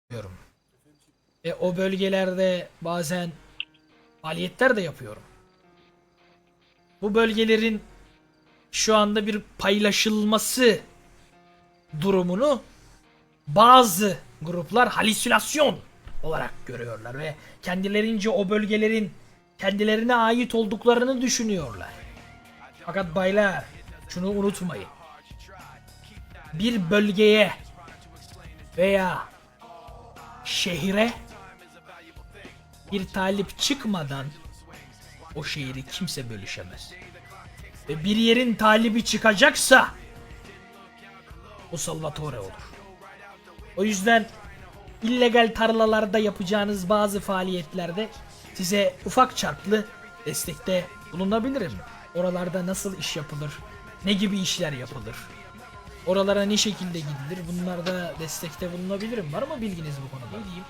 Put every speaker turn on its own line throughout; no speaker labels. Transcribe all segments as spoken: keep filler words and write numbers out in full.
yapıyorum. Ve o bölgelerde bazen faaliyetler de yapıyorum. Bu bölgelerin şu anda bir paylaşılması durumunu bazı gruplar halüsinasyon olarak görüyorlar ve kendilerince o bölgelerin kendilerine ait olduklarını düşünüyorlar. Fakat baylar, şunu unutmayın. Bir bölgeye veya şehre bir talip çıkmadan o şehri kimse bölüşemez. Ve bir yerin talibi çıkacaksa o Salvatore olur. O yüzden illegal tarlalarda yapacağınız bazı faaliyetlerde size ufak çaplı destekte bulunabilirim. Oralarda nasıl iş yapılır, ne gibi işler yapılır, oralara ne şekilde gidilir, bunlarda destekte bulunabilirim. Var mı bilginiz bu konuda? Diyeyim.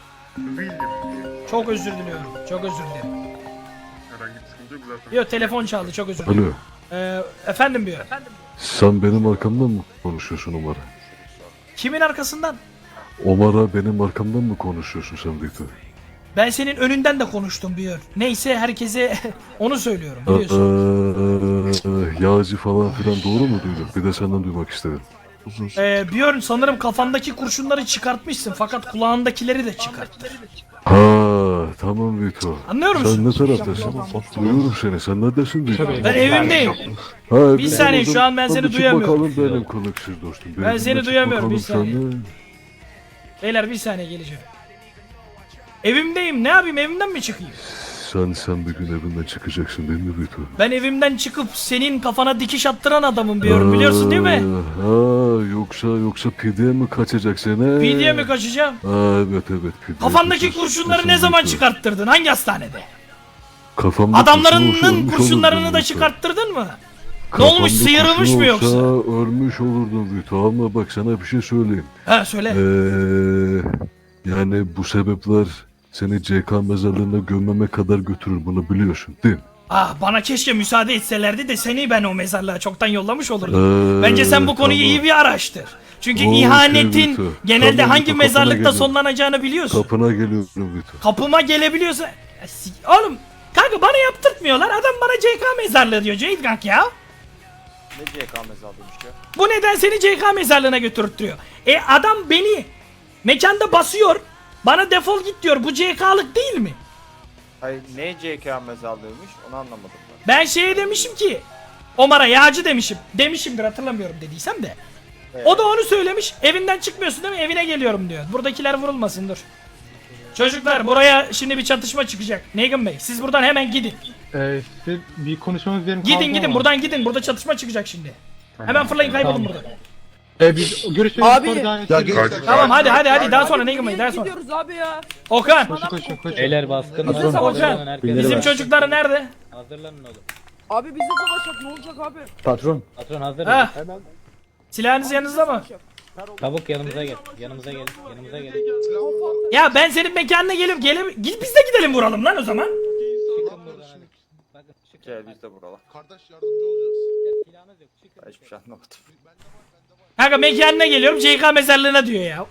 Bildim.
Çok özür diliyorum, çok özür dilerim.
Herhangi bir sıkıntı yok zaten.
Yok, telefon çaldı, çok özür dilerim.
Alo,
Ee, efendim diyor.
sen benim arkamdan mı konuşuyorsun Omar'a?
Kimin arkasından?
Omar'a benim arkamdan mı konuşuyorsun sen Victor?
Ben senin önünden de konuştum Björn. Neyse, herkese onu söylüyorum, biliyorsun.
Ee, yağcı falan filan doğru mu duyduk? Bir de senden duymak istedim.
Ee, Björn, sanırım kafandaki kurşunları çıkartmışsın fakat kulağındakileri de çıkarttı.
Ha, tamam Victor.
Anlıyor musun?
Sen ne taraftasın? Duyuyorum seni. Sen neredesin Victor?
Ben evimdeyim.
Ha,
Bir saniye, şu an ben seni
çık
duyamıyorum.
bakalım benim koneksiz dostum.
Ben
Benimle
seni
çık
duyamıyorum, bir
bakalım
saniye.
sen de.
Beyler, bir saniye geleceğim. Evimdeyim, ne yapayım, evimden mi çıkayım?
Sen sen bir gün evinden çıkacaksın değil mi Victor?
Ben evimden çıkıp senin kafana dikiş attıran adamım Björn, biliyorsun değil mi?
Ha, yoksa yoksa pideye mi kaçacaksın he?
P D'ye mi kaçacağım?
Ha, evet evet. pideye
Kafandaki
kaçacaksın.
kurşunları ne zaman
Victor.
çıkarttırdın? Hangi hastanede?
Kafamda kurşun
Adamlarının
olsa ölmüş
kurşunlarını
olurdum
da
Victor.
çıkarttırdın mı? Ne
Kafamda
olmuş, sıyırılmış
kurşun
mı yoksa?
olsa ölmüş olurdum Victor, ama bak sana bir şey söyleyeyim.
Ha, söyle.
Ee, yani bu sebepler seni C K mezarlığına gömmeme kadar götürür, bunu biliyorsun değil mi?
Ah, bana keşke müsaade etselerdi de seni ben o mezarlığa çoktan yollamış olurdum.
Ee,
Bence sen bu konuyu
tamam.
iyi bir araştır. Çünkü
Okey,
ihanetin
Victor.
genelde
Tamam,
hangi
Victor, kapına
mezarlıkta
geliyorum.
sonlanacağını biliyorsun.
Kapına geliyorum Victor.
Kapıma gelebiliyorsa... Ya si- Oğlum, kanka bana yaptırtmıyorlar. Adam bana C K mezarlığı diyor Cahit kanka ya.
Ne C K mezarlıymış ya?
Bu neden seni C K mezarlığına götürtüyor? E adam beni mekanda basıyor. Bana defol git diyor. Bu C K'lık değil mi?
Hayır, ne C K mezarlığıymış onu anlamadım ben.
Ben şeye demişim ki, Omar'a yağcı demişim. Demişimdir, hatırlamıyorum dediysem de.
Evet.
O da onu söylemiş. Evinden çıkmıyorsun değil mi? Evine geliyorum diyor. Buradakiler vurulmasın, dur. Çocuklar, buraya şimdi bir çatışma çıkacak. Negan Bey, siz buradan hemen gidin.
Ee, size bir konuşmamız yerim
Gidin
kaldı
gidin,
ama.
buradan gidin. Burada çatışma çıkacak şimdi. Hemen fırlayın, kaybolun
Tamam.
buradan.
Ee, biz görüşmeyi
Abi!
sonra devam
Ya
ederiz.
Kaç-
Tamam, hadi hadi hadi, daha
Abi,
sonra Negan Bey,
nereye
daha sonra.
gidiyoruz abi ya?
Okan,
Koşun koşun koşun.
Beyler baskın
Hazır
var.
savaş.
Hazırlanın herkes.
bizim çocuklar nerede?
Hazırlanın oğlum.
Abi bizde savaş yok, ne olacak abi?
Patron hazır.
Ha? Silahınız yanınızda mı?
Çabuk yanımıza gel. Yanımıza gel. Yanımıza gel.
Ya ben senin mekanına gelip gelip git biz de gidelim vuralım lan o zaman.
Çıkın buradan hadi. Bakın çıkın.
Gel biz de buralar.
Kardeş yardımcı olacağız.
Silahınız yok. Çıkın.
Ben hiçbir şey anlamadım.
Kanka mekanına geliyorum, C K mezarlığına diyor ya.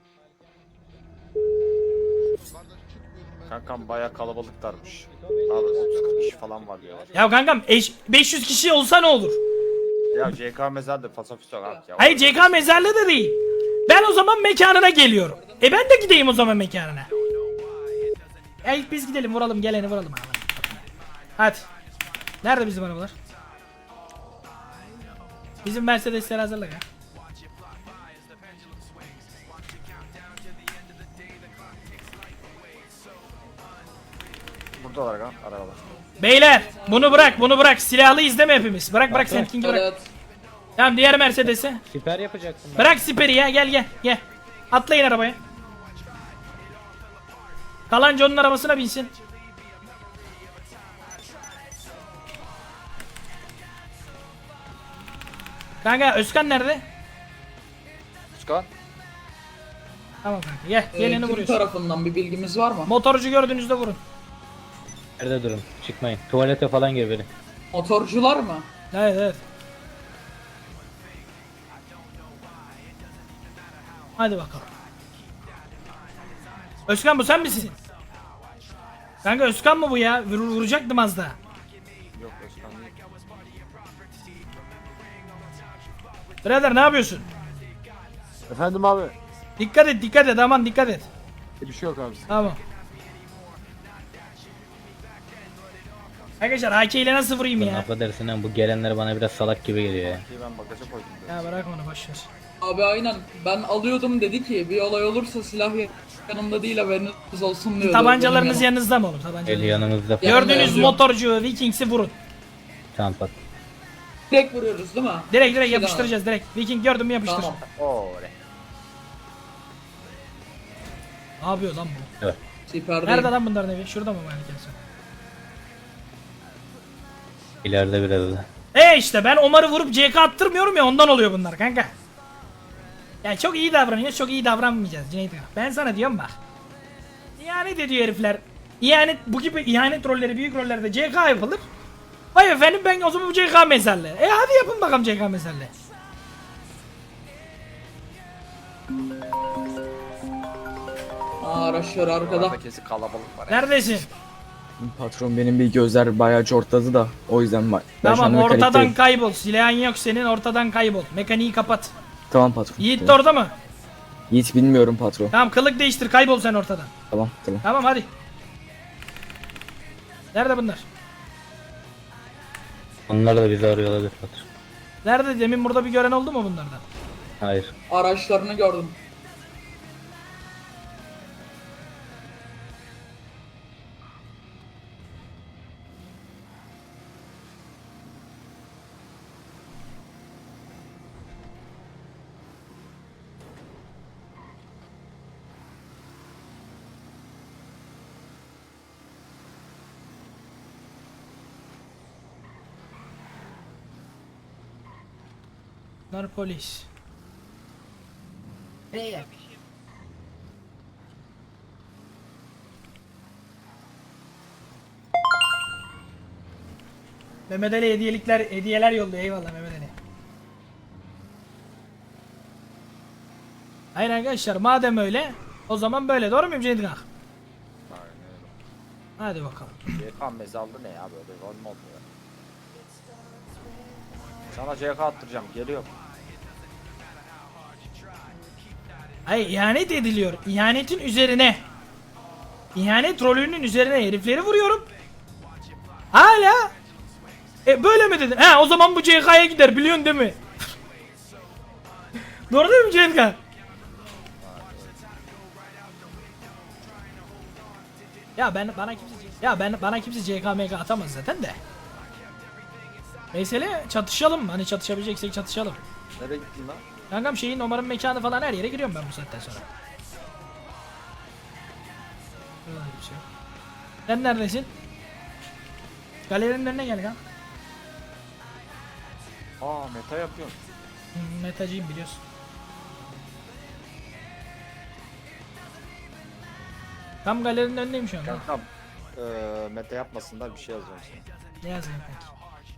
Kardeş çıkmıyorum ben.
Kankam baya kalabalıklarmış. Abi otuz kırk kişi falan var diyorlar.
Ya kankam, eş- beş yüz kişi olsa ne olur?
Ya C K mezarlığı fasafiso abi ya.
Hayır, C K mezarlığı da değil. Ben o zaman mekanına geliyorum. E ben de gideyim o zaman mekanına. Ya ilk biz gidelim, vuralım, geleni vuralım abi. Hadi. Nerede bizim arabalar? Bizim Mercedesler hazırla ya.
Buradalar kan arabalar.
Beyler, bunu bırak, bunu bırak. Silahlı izleme hepimiz. Bırak bırak, sen King'i bırak. Tamam, diğer Mercedes'i.
Siper yapacaksın.
Bırak siperi ya, gel gel gel. Atlayın arabaya. Kalan John'un arabasına binsin. Kanka, Özkan nerede?
Çıkan.
Tamam kanka, gel, geleni
Ee, kim
vuruyorsun.
tarafından bir bilgimiz var mı?
Motorcu gördüğünüzde vurun.
Nerede durun? Çıkmayın. Tuvalete falan gir beni.
Motorcular mı?
Evet evet. Hadi bakalım. Özkan bu sen misin? Kanka Özkan mı bu ya? Vur, vuracaktım az daha.
Yok Özkan değil.
Birader ne yapıyorsun?
Efendim abi.
Dikkat et dikkat et aman dikkat et.
Bir şey yok abi.
Tamam. Arkadaşlar A K ile nasıl vurayım ya?
Affedersin ama bu gelenler bana biraz salak gibi geliyor ya.
Ki ben bagaja koydum. Böyle.
Ya bırak onu boşver.
Abi aynen. Ben alıyordum dedi ki bir olay olursa silah yanımda değil haberiniz olsun diyordu.
Tabancalarınız
Benim
yanınızda mı oğlum?
El
Tabancalarınız.
yanımızda.
Ya-
Gördüğünüz
Yanımda
motorcu Vikings'i vurun.
Tamam pat.
Direkt vuruyoruz değil mi?
Direkt direkt
Şey
yapıştıracağız direkt. Viking gördün mü yapıştır.
Tamam.
Oley.
Ne yapıyor lan bu?
Siperdeyim.
Nerede lan bunların evi? Şurada mı malikesi?
İleride biraz da.
E işte ben Omar'ı vurup C K attırmıyorum ya ondan oluyor bunlar kanka. Ya çok iyi davranıyoruz, çok iyi davranmayacağız Cüneyt Ağa. Ben sana diyorum bak. İhanet ediyor herifler. İhanet, bu gibi ihanet rolleri, büyük rollerde C K yapılır. Vay efendim ben o zaman bu C K mezarlı. E hadi yapın bakalım C K mezarlı.
Aa, araçlar arkada.
Orada kesin kalabalık var.
Neredesin?
Patron benim bir gözler bayağı cortladı da o yüzden ben ben şu
Tamam
an
ortadan
mekanikteyim.
kaybol. Silahın yok senin ortadan kaybol. Mekaniği kapat.
Tamam patron.
Yiğit de
tamam.
orada mı?
Yiğit bilmiyorum patron.
Tamam kılık değiştir kaybol sen ortadan.
Tamam tamam.
Tamam hadi. Nerede bunlar?
Onlar da bizi arıyor olabilir patron.
Nerede? Demin burada bir gören oldu mu bunlardan?
Hayır.
Araçlarını gördüm.
Bunlar polis. Nereye? Mehmet Ali hediyelikler, hediyeler yolluyor. Eyvallah Mehmet Ali. Hayır arkadaşlar madem öyle o zaman böyle doğru muyum Ceydik Ağa?
Aynen öyle.
Hadi bakalım.
C K mezarlı ne ya böyle rol mu oluyor? Sana C K attıracağım geliyor.
Hayır ihanet ediliyor. İhanetin üzerine. İhanet rolünün üzerine herifleri vuruyorum. Hala. E böyle mi dedin? He o zaman bu C K'ya gider biliyorsun değil mi? Doğru değil mi C K? Ya ben bana kimse ya ben bana kimse C K M K atamaz zaten de. Mesele çatışalım. Hani çatışabileceksek çatışalım.
Nereye gittin lan?
Kankam şeyin Omar'ın mekanı falan her yere giriyorum ben bu saatten sonra. Öyle bir şey yok. Sen neredesin? Galerinin önüne gel kan.
Aa meta yapıyorsun.
Hmm, metacıyım biliyorsun. Tam galerinin önündeyim şu an. ha.
Kankam. Eee meta yapmasınlar bir şey yazıyorum sana.
Ne yazayım peki?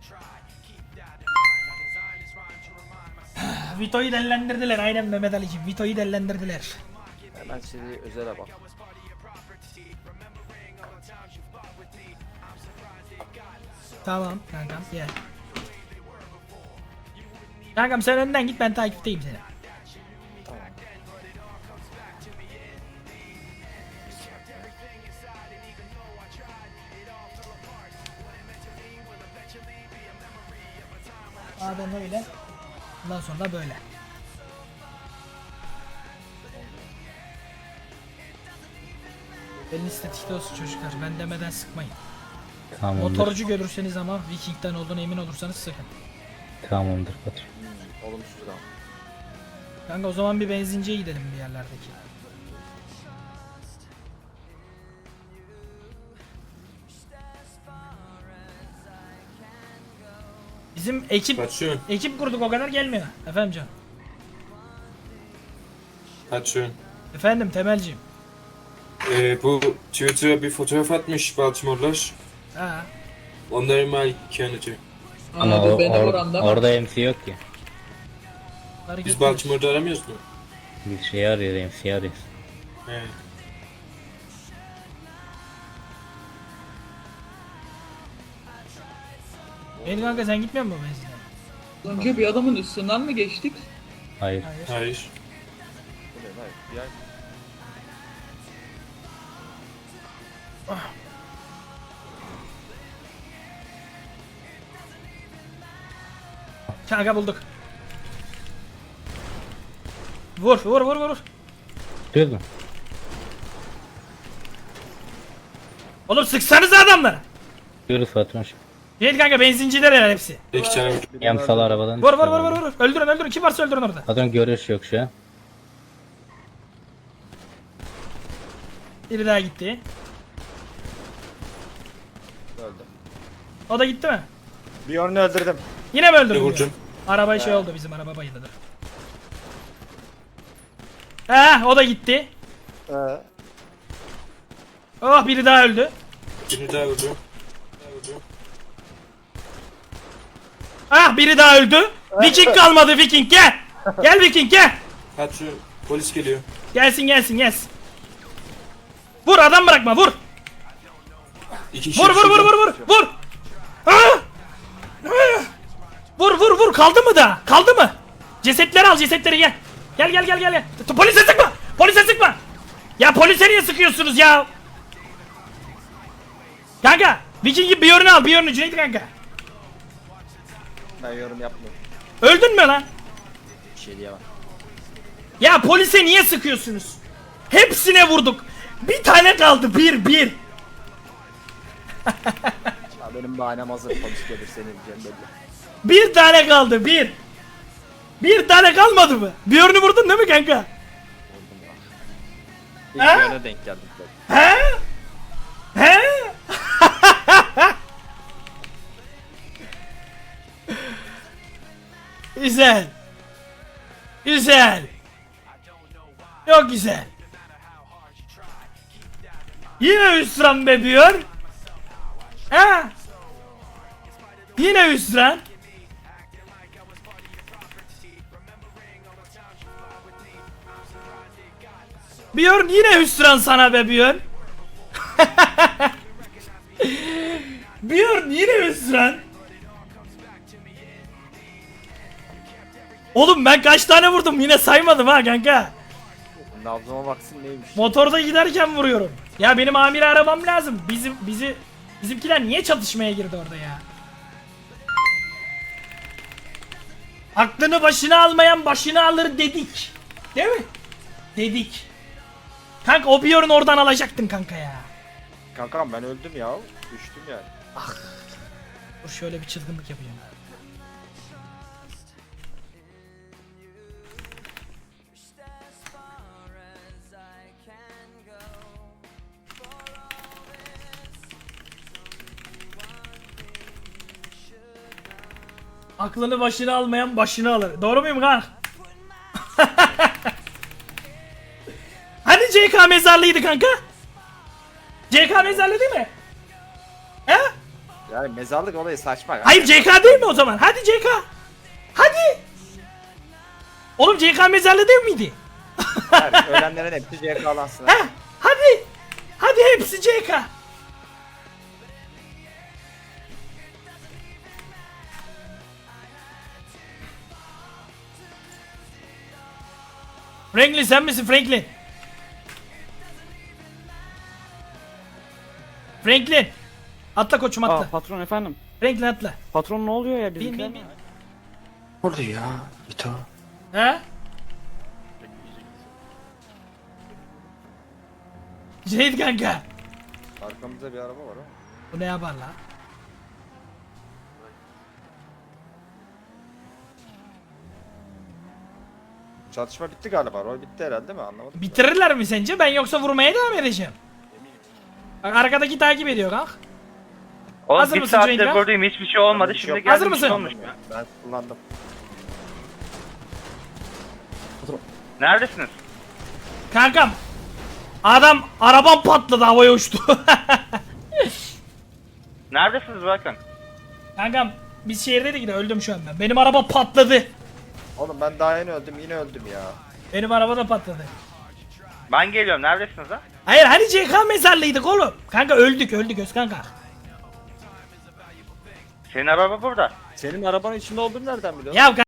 Vito'yu dellendirdiler aynen Mehmet Ali'cim. Vito'yu dellendirdiler.
Hemen seni özele bak.
Tamam kankam gel. Kankam sen önden git ben takipteyim seni.
Tamam.
Madem öyle. Bundan sonra böyle. Eliniz tetikte olsun çocuklar. Ben demeden sıkmayın.
Tamamdır.
Motorcu görürseniz ama Viking'den olduğuna emin olursanız sıkın.
Tamamdır patron.
Hmm, olumsuz da.
Kanka o zaman bir benzinciye gidelim bir yerlerdeki. Bizim ekip
Patron,
ekip kurduk o kadar gelmiyor. Efendim canım.
patron.
Efendim Temelciğim.
Ee, bu Twitter'a bir fotoğraf atmış Baltimore'lar.
Ha.
Onların malikaneci.
Ama
Abi
o,
beni
or-
vuran da mı?
orada M C yok ki.
Fark
Biz
etmez.
Baltimore'da aramıyoruz mu?
Bir şey arıyor M C arıyoruz.
He.
Beni kanka sen gitmiyor musun benzine?
Önce bir adamın üstünden mi geçtik?
Hayır.
Hayır.
Bu ne lan? Bir ay.
Kanka bulduk. Vur vur vur vur.
Duydun.
Oğlum sıksanız adamlara.
Diyoruz patron.
Değil kanka benzinciler herhalde hepsi.
İki tane
Yamsal arabadan.
Vur vur vur vur vur. Öldürün öldürün. Kim varsa öldürün orada.
Patron görüş yok şu an.
Biri daha gitti.
Öldüm.
O da gitti mi?
Bir yönünü öldürdüm.
Yine mi öldürdün?
vurdum.
Araba şey oldu bizim araba bayıldı. Heh o da gitti.
Ee,
Oh biri daha öldü.
Birini daha vurdum.
Ah biri daha öldü. Viking kalmadı Viking gel. Gel Viking gel.
Patron polis geliyor.
Gelsin gelsin gelsin. Vur adam bırakma vur.
İki kişi
Vur vur vur
şurada.
vur vur. Vur. Ah! Ah! Vur vur vur kaldı mı da? Kaldı mı? Cesetleri al cesetleri gel. Gel gel gel gel. gel. T- Polise sıkma. Polise sıkma. Ya polise niye sıkıyorsunuz ya? Kanka Viking'in bir yönünü al bir yönünü Cüneyt kanka.
ben yorum yapmıyorum.
Öldün mü lan?
Bir şey diyemem.
Ya polise niye sıkıyorsunuz? Hepsine vurduk. Bir tane kaldı bir bir.
Ya benim bahanem hazır. Polis gelir seni diyeceğim belli.
Bir tane kaldı bir. Bir tane kalmadı mı? Bir yönünü vurdun değil mi kanka?
İlk
Ha?
yöne denk geldim.
He? He? Güzel. Güzel. Çok güzel. Yine hüsran bebiyor. Ha? Yine hüsran. Björn yine hüsran sana be Björn. Björn yine hüsran. Oğlum ben kaç tane vurdum yine saymadım ha kanka.
Nabzıma baksın neymiş.
Motorda giderken vuruyorum. Ya benim amiri aramam lazım. Bizim bizi bizimkiler niye çatışmaya girdi orada ya? Aklını başına almayan başını alır dedik. Değil mi? Dedik. Kanka o Björn'ü oradan alacaktın kanka ya.
Kankam ben öldüm ya. Düştüm yani.
Dur şöyle bir çılgınlık yapayım. Aklını başına almayan başını alır. Doğru muyum kanka? Hani C K mezarlıydı kanka? C K mezarlı değil mi? He?
Yani mezarlık olayı saçma. ya.
Hayır C K değil mi o zaman? Hadi C K. Hadi. Oğlum C K mezarlı değil miydi?
Yani ölenlerin hepsi C K'lansın.
He? Hadi. Hadi hepsi C K. Franklin sen misin Franklin? Franklin. Atla koçum atla.
patron efendim.
Franklin atla.
Patron ne oluyor ya
Bin bin bin.
Orada ya. İto.
He? Cüneyt kanka.
Arkamızda bir araba var ama.
Bu ne yapar la?
Çatışma bitti galiba. Rol bitti herhalde değil mi? Anlamadım.
Bitirirler mi sence? Ben yoksa vurmaya devam edeceğim. Bak arkadaki takip ediyor kanka.
Oğlum
Hazır
bir
mısın
saattir
Cüneyt Bey?
buradayım hiçbir şey olmadı
Bir şey
şimdi
yok.
geldim
Hazır
bir şey
mısın?
olmuş.
Ben kullandım.
Neredesiniz?
Kankam. Adam arabam patladı havaya uçtu.
Neredesiniz bakın?
Kankam biz şehirdeydik de öldüm şu an ben. Benim araba patladı.
Oğlum ben daha yeni öldüm yine öldüm ya.
Benim araba da patladı.
Ben geliyorum neredesiniz ha?
Hayır hani C K mezarlıydık oğlum. Kanka öldük öldük Özkanka.
Senin araba burada.
Senin arabanın içinde olduğunu nereden biliyorsun?
Ya